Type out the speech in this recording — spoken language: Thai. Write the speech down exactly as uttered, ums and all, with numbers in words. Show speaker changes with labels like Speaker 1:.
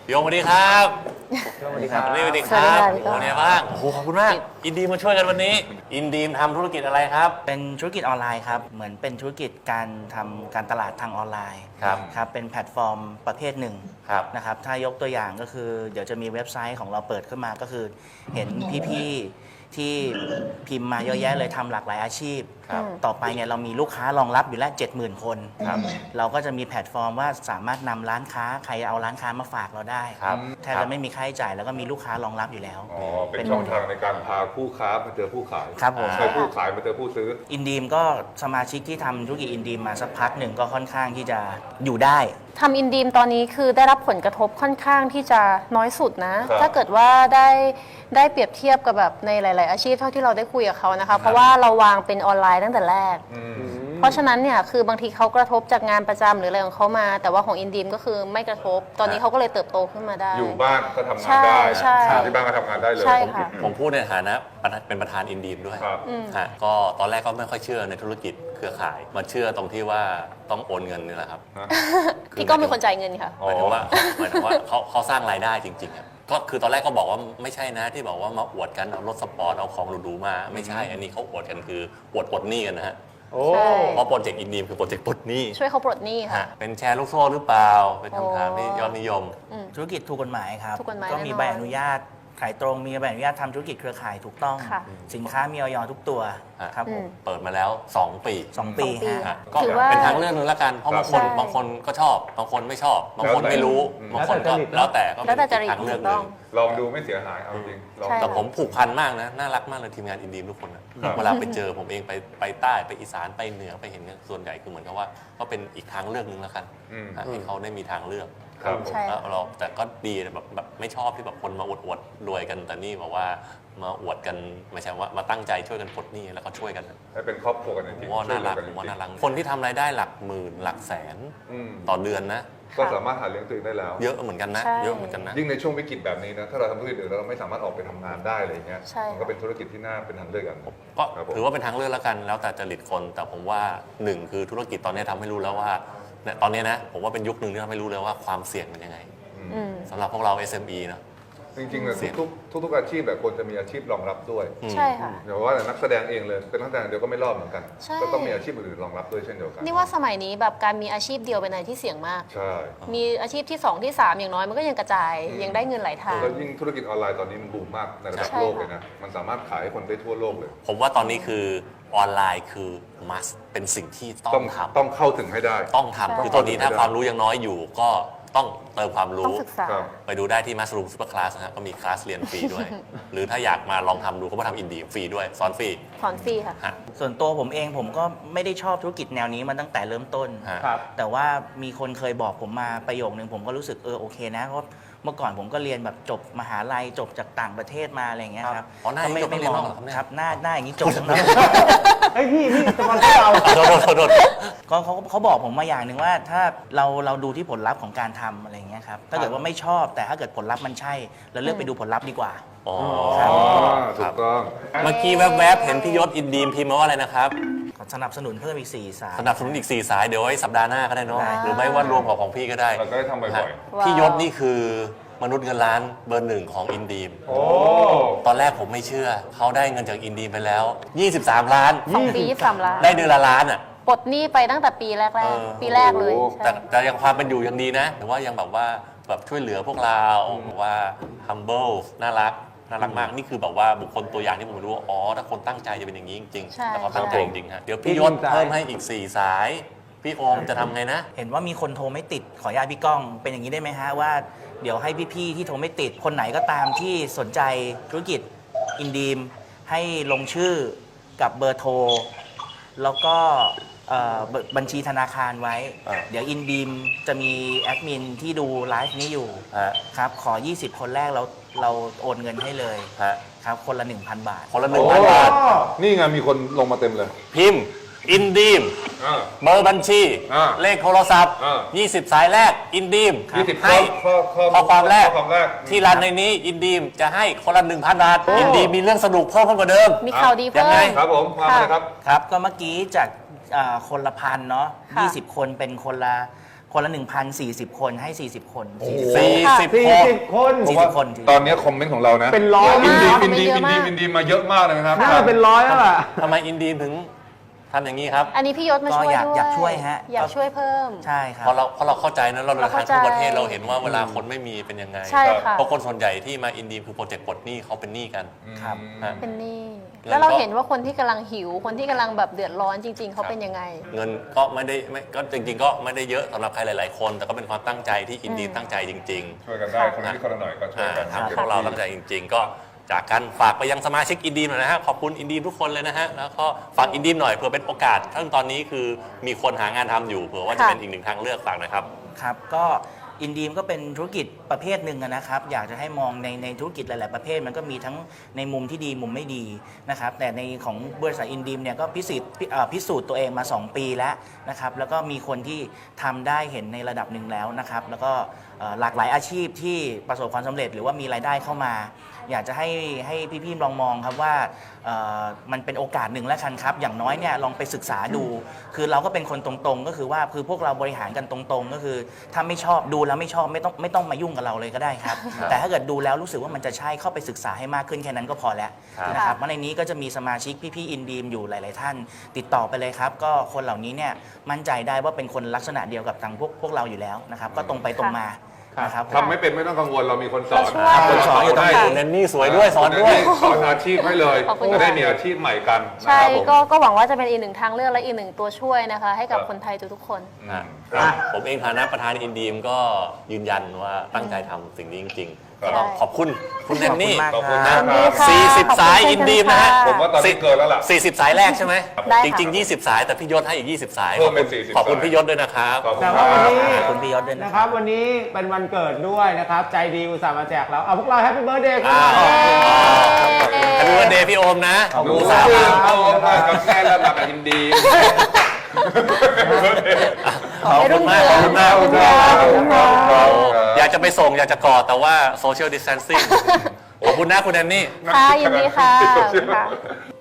Speaker 1: พี่โอมสวัสดีครับ
Speaker 2: สวัสดีครับ
Speaker 1: สวัสดีครับ
Speaker 3: สวัสดีครับ
Speaker 1: โอ้เนี่ยบ้างโอ้โหขอบคุณมากอินดีมาช่วยกันวันนี้ อินดีมทำธุรกิจอะไรครับ
Speaker 2: เป็นธุรกิจออนไลน์ครับ เหมือนเป็นธุรกิจการทำการตลาดทางออนไลน์
Speaker 1: ครับ
Speaker 2: ครับ เป็นแพลตฟอร์มประเภทหนึ่ง
Speaker 1: ครับ
Speaker 2: นะครับ ถ้ายกตัวอย่างก็คือเดี๋ยวจะมีเว็บไซต์ของเราเปิดขึ้นมาก็คือเห็นพี่ๆที่พิมพ์มาเยอะแยะเลยทำหลากหลายอาชีพ
Speaker 1: ครับ
Speaker 2: ต่อไปเนี่ยเรามีลูกค้ารองรับอยู่แล้ว เจ็ดหมื่น คน
Speaker 1: ครับ
Speaker 2: เราก็จะมีแพลตฟอร์มว่าสามารถนำร้านค้าใครเอาร้านค้ามาฝากเราได้
Speaker 1: ครับ
Speaker 2: แทบจะไม่มีค่าใช้จ่ายแล้วก็มีลูกค้ารองรับอยู่แล้ว
Speaker 4: อ๋อ เป็นช่องทางในการพาผู้ค้ามาเจอผู้ขาย
Speaker 2: ครับผม
Speaker 4: ใช่ผู้ขายมาเจอผู้ซื้อ
Speaker 2: อินดีมก็สมาชิกที่ทำธุรกิจอินดีมมาสักพักหนึ่งก็ค่อนข้างที่จะอยู่ได้
Speaker 3: ทำอินดีมตอนนี้คือได้รับผลกระทบค่อนข้างที่จะน้อยสุดนะ
Speaker 4: ครับ
Speaker 3: ถ้าเกิดว่าได้ได้เปรียบเทียบกับแบบในหลาย ๆ อาชีพเท่าที่เราได้คุยกับเขานะคะ เพราะว่าเราวางเป็นออนไลน์ตั้งแต่แรก
Speaker 4: อืม
Speaker 3: เพราะฉะนั้นเนี่ยคือบางทีเขากระทบจากงานประจำหรืออะไรของเขามา แต่ว่าของอินดีมก็คือไม่กระทบ ตอนนี้เขาก็เลยเติบโตขึ้นมาได้
Speaker 4: อยู่บ้านก็ทำงาน
Speaker 3: ใช่
Speaker 4: ได้
Speaker 3: ใช่
Speaker 4: ที่บ้านก็ทำงานได้เลย
Speaker 3: ใช่ค่ะ
Speaker 1: ผมพูดในฐานะเป็นประธานอินดีมด้วย
Speaker 4: ครับ
Speaker 1: ฮะก็ตอนแรกก็ไม่ค่อยเชื่อในธุรกิจเครือข่าย มาเชื่อตรงที่ว่าต้องโอนเงินนี่แหละครับ
Speaker 3: พี่ก้องเป็นคนจ่ายเงินค่ะ
Speaker 1: หมายถึงว่าหมายถึงว่าเขาเขาสร้างรายได้จริงๆอะก็คือตอนแรกก็บอกว่าไม่ใช่นะที่บอกว่ามาอวดกันเอารถสปอร์ตเอาของหรูๆมาไม่ใช่อันนี้เขาอวดกันคืออวดปลดหนี้กันนะฮะ
Speaker 4: โอ้
Speaker 3: ใช่
Speaker 1: เพราะโปรเจกต์อินดีมคือโปรเจกต์ปลดหนี้
Speaker 3: ช่วยเขาปลดหนี้ค่ะ
Speaker 1: ฮะเป็นแชร์ลูกโซ่หรือเปล่า เป็นคำถามที่ยอดนิยม
Speaker 2: ธุรกิจถูกกฎหมายครับ
Speaker 3: ถูกกฎหมาย
Speaker 2: ก็มี
Speaker 3: แน่นอน
Speaker 2: ใบอนุญาตขายตรงมีใบอนุญาตทำธุรกิจเครือข่ายถูกต้อง
Speaker 3: ค่ะ
Speaker 2: สินค้ามีออยทุกตัว
Speaker 1: อ่ะ
Speaker 2: ครับผม
Speaker 1: เปิดมาแล้ว สอง ปี
Speaker 2: สองปี
Speaker 3: สองปี
Speaker 2: ฮะ
Speaker 1: ฮะก็
Speaker 3: ถือว่า
Speaker 1: เป็นทางเลือกหนึงละกัน เพราะบางคน
Speaker 3: ใช่
Speaker 1: บางคนก็ชอบ บางคนไม่ชอบ บางคน
Speaker 4: แล้วแต่
Speaker 1: ไม่รู้
Speaker 4: อืม
Speaker 1: บางคนก็แล้วแต่ก็
Speaker 3: แล้วแต่
Speaker 1: เป็น
Speaker 3: จริต
Speaker 1: ทางเลือก
Speaker 3: ถูก
Speaker 1: ห
Speaker 3: ต้
Speaker 1: นึ่
Speaker 3: อง
Speaker 1: ง
Speaker 4: ลองดูไม่เสียหายเอาจริงลอง
Speaker 3: ใช่
Speaker 1: แต่ผมผูกพันมากนะ น่ารักมากเลยทีมงานอินดีมทุกคนนะครับ เวลาไปเจอผมเองไปไปใต้ไปอีสานไปเหนือไปเห็นเนี่ยส่วนใหญ่คือเหมือนกับว่าก็เป็นอีกทางเลือกหนึงแล้วกัน
Speaker 4: อืม
Speaker 1: ฮะให้เขาได้มีทางเลือก
Speaker 4: ครับผม
Speaker 3: ใช่
Speaker 1: แล้วเราแต่ก็ดีนะแบบแบบไม่ชอบที่แบบคนมาอวดอวดรวยกันแต่นี่บอกว่ามาอวดกันไม่ใช่ว่ามาตั้งใจช่วยกันปลดหนี้แล้วก็ช่วยกัน
Speaker 4: ให้เป็นครอบครัวกันจ
Speaker 1: ผ
Speaker 4: ริ
Speaker 1: ม
Speaker 4: ง
Speaker 1: ว่า
Speaker 4: ช่
Speaker 1: น่ารัก
Speaker 4: เห
Speaker 1: ผ
Speaker 4: ลือ
Speaker 1: มว่า
Speaker 4: จ
Speaker 1: น่า
Speaker 4: ริง
Speaker 1: รักคนที่ทำรายได้หลักหมื่นหลักแสน
Speaker 4: อืม
Speaker 1: ต่อเดือนนะ
Speaker 4: ก็สามารถหาเลี้ยงตัวเองได้แล้ว
Speaker 1: เยอะเหมือนกันนะ
Speaker 3: ใช่
Speaker 1: เยอะเหมือนกันนะ
Speaker 4: ยิ่งในช่วงวิกฤตแบบนี้นะ ถ้าเราทำธุรกิจอื่นแล้วเราไม่สามารถออกไปทำงานได้อะไรเงี้ย
Speaker 3: ใช่
Speaker 4: มันก็เป็นธุรกิจที่น่าเป็นทางเลือกอย่างหนึ่ง
Speaker 1: ก็
Speaker 4: ครับผม
Speaker 1: ถือว่าเป็นทางเลือกแล้วกันแล้วแต่จริตคน แต่ผมว่าหนึ่งคือธุรกิจตอนนี้ทำให้รู้แล้วว่าเนี่ยตอนนี้นะผมว่าเป็นยุคหนึ่งที่ทำให้รู้เลยว่าความเสี่ยงเป็นยังไง
Speaker 3: อืม
Speaker 1: สำหรับพวกเรา เอส เอ็ม อี เนอะ
Speaker 4: จริงๆเลย
Speaker 1: เสี่ยง
Speaker 4: ทุกๆทุกๆอาชีพแบบควรจะมีอาชีพรองรับด้วย
Speaker 1: อืม
Speaker 3: ใช่ค่ะ
Speaker 4: เดี๋ยวว่าแต่นักแสดงเองเลยเป็นนักแสดงเดียวก็ไม่รอดเหมือนกัน
Speaker 3: ใช่
Speaker 4: ก็ต้องมีอาชีพอื่นๆรองรับด้วยเช่นเดียวกัน
Speaker 3: นี่ว่าสมัยนี้แบบการมีอาชีพเดียวเป็นอะไรที่เสี่ยงมาก
Speaker 4: ใช่
Speaker 3: มีอาชีพที่สองที่สามอย่างน้อยมันก็ยังกระจาย
Speaker 4: อืม
Speaker 3: ยังได้เงินหลายทาง
Speaker 4: แล้วยิ่งธุรกิจออนไลน์ตอนนี้มันบูมมากในระดับ
Speaker 3: ใช่
Speaker 4: โลก
Speaker 3: ค่ะ
Speaker 4: เลยนะ มันสามารถขายให้คนได้ทั่วโลกเลย
Speaker 1: ผมว่าตอนนี้คือออนไลน์คือ must เป็นสิ่งที่ต้
Speaker 4: ต้
Speaker 1: อ
Speaker 4: อง
Speaker 1: งทำ
Speaker 4: ต้องเข้าถึงให้ได้
Speaker 1: ต้องทำคือตอนนี้ถ้าความรู้ยังน้อยอยู่ก็ต้องเติมความ
Speaker 3: ต้อ
Speaker 1: รู้
Speaker 3: งศึกษา
Speaker 4: ครับ
Speaker 1: ไปดูได้ที่ Mushroom Super Class นะฮะก็มีคลาสเรียนฟรีด้วย หรือถ้าอยากมาลองทำดูก็มาทำอินดีฟรีด้วยสอนฟรี
Speaker 3: สอนฟรีค่ะ
Speaker 1: ฮะ
Speaker 2: ส่วนตัวผมเองผมก็ไม่ได้ชอบธุรกิจแนวนี้มาตั้งแต่เริ่มต้น
Speaker 1: ฮะ
Speaker 2: แต่ว่ามีคนเคยบอกผมมาประโยคนึงผมก็รู้สึกเออโอเคนะเพราะเมื่อก่อนผมก็เรียนแบบจบมหาลัยจบจากต่างประเทศมาอะไรอย่างเงี้ยครับ
Speaker 1: อ๋อหน้าอย่างนี้
Speaker 2: ก็ไม่
Speaker 1: จบ
Speaker 2: ไม่
Speaker 1: ตั้ง
Speaker 2: ม
Speaker 1: เรียน
Speaker 2: อง
Speaker 1: นอกเหรอครับเนี่ย
Speaker 2: ครับหน้าหน้าอย่างนี้จบทั้งนั้น
Speaker 5: เฮ้ยพี่พี่สปอนเซอร์เรา
Speaker 1: โดนโดนโดนโดน
Speaker 2: ก็เขาเขาบอกผมมาอย่างหนึ่งว่าถ้าเราเราดูที่ผลลัพธ์ของการทำอะไรอย่างเงี้ยครับถ้าเกิดว่าไม่ชอบแต่ถ้าเกิดผลลัพธ์มันใช่เราเลือกไปดูผลลัพธ์ดีกว่า
Speaker 1: อ๋อ
Speaker 2: ครับ
Speaker 4: อ๋อ
Speaker 1: ค
Speaker 4: ถู
Speaker 1: รับ
Speaker 4: กต้อง
Speaker 1: เมื่อกี้แวบๆ เห็นพี่ยศอินดีมพิมพ์มาว่าอะไรนะครับ
Speaker 2: สนับสนุนเพิ่มอีกสี่สาย
Speaker 1: สนับสนุนอีก 4 สายเดี๋ยวไว้สัปดาห์หน้าก็ได้เนาะ
Speaker 2: ได้
Speaker 1: หรือไม่ว่ารวมกับของพี่ก็ได้
Speaker 4: เราก็ได้ทำบ่อยๆ
Speaker 1: ฮะพี่ยศนี่คือมนุษย์เงินล้านเบอร์หนึ่งของอินดีม
Speaker 4: โอ้
Speaker 1: ตอนแรกผมไม่เชื่อ เขาได้เงินจากอินดีมไปแล้ว ยี่สิบสาม ล้าน
Speaker 3: สองปียี่สิบสามล้าน
Speaker 1: ได้เดือนละล้านอ่ะ
Speaker 3: ปลดหนี้ไปตั้งแต่ปีแรก
Speaker 1: เออ
Speaker 3: ๆ ปีแรกเลย
Speaker 1: แต่
Speaker 3: ใช่
Speaker 1: แต่ยังความเป็นอยู่ยังดีนะแต่ว่ายังแบบว่าแบบช่วยเหลือพวกเราแบบว่า humble น่ารักน่ารักมากนี่คือแบบว่าบุคคลตัวอย่างที่ผมรู้ว่าอ๋อถ้าคนตั้งใจจะเป็นอย่างนี้จริง
Speaker 3: ใช่
Speaker 1: ๆแต่เขาตั้งใจจริงๆฮะเดี๋ยวพี่ยศ
Speaker 5: อีกหนึ่งสาย
Speaker 1: เพิ่มให้อีก สี่ สาย พี่โอมจะทำไงนะ
Speaker 2: เห็นว่ามีคนโทรไม่ติดขออนุญาตพี่ก้องเป็นอย่างนี้ได้ไหมฮะว่าเดี๋ยวให้พี่ๆที่โทรไม่ติดคนไหนก็ตามที่สนใจธุรกิจอินดีมให้ลงชื่อกับเบอร์โทร แล้วก็เอ่อบัญบัญชีธนาคารไว้
Speaker 1: อ่า
Speaker 2: เดี๋ยวอินดีมจะมีแอดมินที่ดูไลฟ์นี้อยู่
Speaker 1: ฮะ
Speaker 2: ครับขอ ยี่สิบ คนแรกเราเราโอนเงินให้เลย
Speaker 1: ฮะ
Speaker 2: ครับคนละ หนึ่งพัน บาท
Speaker 1: คนละหนึ่งพันบาท
Speaker 4: นี่ไงมีคนลงมาเต็มเลย
Speaker 1: พิมพ์อินดีม
Speaker 4: อ่า
Speaker 1: เบอร์บัญชี
Speaker 4: อ่า
Speaker 1: เลขโทรศัพท์
Speaker 4: อ่า
Speaker 1: ยี่สิบ สายแรกอินดีม
Speaker 4: ยี่สิบ
Speaker 1: ให้
Speaker 4: ข้อข้อ
Speaker 1: ข้อความแรก
Speaker 4: ข้อความแรก
Speaker 1: ที่รันในนี้อินดีมจะให้คนละหนึ่งพันบาทอินดีมมีเรื่องสนุกเพิ่มขึ้นกว่าเดิม
Speaker 3: มีข่าวดี
Speaker 1: ยั
Speaker 3: เพิ่
Speaker 1: งไง
Speaker 3: ม
Speaker 4: ครับผมมาเลยครับ
Speaker 2: ครับก็เมื่อกี้จากอ่าคนละพันเนาะ
Speaker 3: ค่ะ
Speaker 2: ยี่สิบ คนเป็นคนละคนละ หนึ่งพันสี่สิบ คนให้ สี่สิบ คนสี่สิบ
Speaker 1: สี่
Speaker 3: ค่ะ
Speaker 1: สิบ
Speaker 5: สี่
Speaker 1: คน
Speaker 5: สิบคน
Speaker 4: ผมว่า
Speaker 2: คน
Speaker 4: ตอนนี้คอมเมนต์ของเรานะ
Speaker 5: เป็นร้อย
Speaker 4: อินดี
Speaker 3: มาก
Speaker 4: อินดี
Speaker 3: เย
Speaker 4: อิ
Speaker 3: อะ
Speaker 4: นดี
Speaker 3: มาก
Speaker 4: อินดีมาเยอะมากเลยนะครับ
Speaker 5: น่าจะเป็นร้อยแล้วล่ะ
Speaker 1: ทำไมอินดีมถึงทำอย่างนี้ครับ
Speaker 3: อันนี้พี่ยศมา
Speaker 2: ก็
Speaker 3: ช่วย
Speaker 2: อยาก
Speaker 3: ด้วย
Speaker 2: อยากช่วยฮะ
Speaker 3: อยากช่วยเพิ่ม
Speaker 2: ใช่ครับ
Speaker 1: เพราะเราเพราะเราเข้าใจนะเราเดินทาง
Speaker 3: เราเข้าใจ
Speaker 1: ทั่วประเทศเราเห็นว่าเวลาคนไม่มีเป็นยังไง
Speaker 3: ใช่ค่ะ
Speaker 1: เพราะคนส่วนใหญ่ที่มาอินดีมคือโปรเจกต์ปลดหนี้เขาเป็นหนี้กัน
Speaker 2: ครับ
Speaker 1: ฮะ
Speaker 3: เป็นหนี้
Speaker 1: แล้วก็
Speaker 3: แล้วเราเห็นว่าคนที่กำลังหิว คนที่กำลังแบบเดือดร้อนจริง ๆ เขาเป็นยังไง
Speaker 1: เงินก็ไม่ได้ไม่ก็จริง ๆ ก็ไม่ได้เยอะสำหรับใครหลาย ๆ คน แต่ก็เป็นความตั้งใจที่อินดีมตั้งใจจริง
Speaker 4: ช่วยกันได้คนละนิดคนละหน่อยก็
Speaker 1: ๆ
Speaker 4: ช่วย
Speaker 1: อ่า
Speaker 4: กัน
Speaker 1: ทำให้พวกเราตั้งใจจริง ๆ ก็จากกันฝากไปยังสมาชิกอินดีมหน่อยนะฮะขอบคุณอินดีมทุกคนเลยนะฮะแล้วก็ฝากอินดีมหน่อยเผื่อเป็นโอกาสทั้งตอนนี้คือมีคนหางานทำอยู่เผื่อว่าจะ
Speaker 3: ค่ะ
Speaker 1: เป็นอีกหนึ่งทางเลือกฝากหน่อยครับ
Speaker 2: ครับก็อินดีมก็เป็นธุรกิจประเภทหนึ่งอะนะครับ อยากจะให้มองในในธุรกิจหลาย ๆ ประเภทมันก็มีทั้งในมุมที่ดีมุมไม่ดีนะครับแต่ในของบริษัทอินดีมเนี่ยก็พิสูจน์พิเอ่อพิสูจน์ตัวเองมา สอง ปีแล้วนะครับแล้วก็มีคนที่ทำได้เห็นในระดับหนึ่งแล้วนะครับแล้วก็เอ่อหลากหลายอาชีพที่ประสบความสำเร็จหรือว่ามีรายได้เข้ามา อยากจะให้ให้พี่ๆลองมองครับว่าเอ่อมันเป็นโอกาสหนึ่งแล้วกันครับอย่างน้อยเนี่ยลองไปศึกษาดู คือเราก็เป็นคนตรงๆ ก็คือว่าคือพวกเราบริหารกันตรงๆ ก็คือถ้าไม่ชอบดูแล้วไม่ชอบไม่ต้องไม่ต้องมายุ่งกับเราเลยก็ได้ครับ แต่ถ้าเกิดดูแล้วรู้สึกว่ามันจะใช่เข้าไปศึกษาให้มากขึ้นแค่นั้นก็พอแล้ว
Speaker 1: ครับ
Speaker 2: นะครับเพราะในนี้ก็จะมีสมาชิกพี่ๆอินดีมอยู่หลาย ๆ ท่าน ติดต่อไปเลยครับ ก็คนเหล่านี้เนี่ยมั่นใจได้ว่าเป็นคนลักษณะเดียวกับทางพวกพวกเราอยู่แล้วนะครับก็ตรงไปตรงมานะครับ
Speaker 4: ทำไม่เป็นไม่ต้องกังวลเรามีคนสอน
Speaker 3: เราช่วย
Speaker 2: คนสอนอยู่ตรงไหน
Speaker 1: คุณแนนนี่สวยด้วยสอนด้วย
Speaker 4: สอนอาชีพให้เลย
Speaker 3: ขอบคุณ
Speaker 4: จะได้
Speaker 3: ค่ะ
Speaker 4: มีอาชีพใหม่กันนะ
Speaker 3: ใช่
Speaker 4: ครับผม
Speaker 3: ก็ก็หวังว่าจะเป็นอีกหนึ่งทางเลือกและอีกหนึ่งตัวช่วยนะคะ ให้กับ
Speaker 4: ครับ
Speaker 3: คนไทยทุกๆคน
Speaker 1: อ่ะ
Speaker 4: ครับ
Speaker 1: ผมเองฐานะประธานอินดีมก็ยืนยันว่าตั้งใจทำสิ่งนี้จริงๆ
Speaker 4: ครับ
Speaker 1: ก็ต้องขอบคุณคุณแนนนี่
Speaker 2: ขอบคุณ
Speaker 4: ข
Speaker 2: มา
Speaker 4: อก บคุณ
Speaker 2: ค
Speaker 4: มาก
Speaker 2: รับ
Speaker 3: ค่ะ
Speaker 1: สี่สิบ
Speaker 3: ขอบคุณ
Speaker 1: สาย
Speaker 3: เช่น
Speaker 1: อินดีมนะฮะ
Speaker 3: ค่ะ
Speaker 4: ผมว่าตอนนี้เกินแล้วล่ะ
Speaker 1: สี่สิบสายแรกใช่ไหม
Speaker 3: ได้
Speaker 1: จ
Speaker 3: ค่ะ
Speaker 1: ริง ๆ ยี่สิบ สายแต่พี่ยศให้อีก ยี่สิบ สาย
Speaker 4: เพิ่มเป็น
Speaker 1: ขอบคุณ
Speaker 4: สี่สิบ
Speaker 1: ขอบคุณ
Speaker 4: สาย
Speaker 1: พี่ยศด้วยนะครับ
Speaker 4: ขอบคุณ
Speaker 5: แต่
Speaker 4: ครั
Speaker 5: ว่าวัน
Speaker 4: บ
Speaker 5: นี้
Speaker 2: ขอบคุณพี่ยศด้วยนะ
Speaker 5: นะ
Speaker 2: ค
Speaker 5: ครับ รับวันนี้เป็นวันเกิดด้วยนะครับ ใจดีอุตส่าห์มาแจกเราเอาพวกเราแฮปปี้เบิร์ดเดย์กัน
Speaker 1: อ้าว
Speaker 5: หน่อย
Speaker 1: แฮปปี้วันเดย์พี่โอมนะ
Speaker 2: ขอบคุณ
Speaker 1: อุต
Speaker 4: สา
Speaker 1: ส่าห์
Speaker 4: ม
Speaker 1: มา
Speaker 4: เอามากับแม่ระดับอินดี
Speaker 1: ขอบคุณมากขอบคุณมาก
Speaker 4: ขอบคุณครับ
Speaker 3: ขอบคุณครับ
Speaker 1: โอ้อยากจะไปส่งอยากจะกอดแต่ว่าโซเชียลดิส a ทนซิ่งขอบคุณนะคุณแนนนี่
Speaker 3: ค่ะยินดีค่ะขอบคุณค่ะ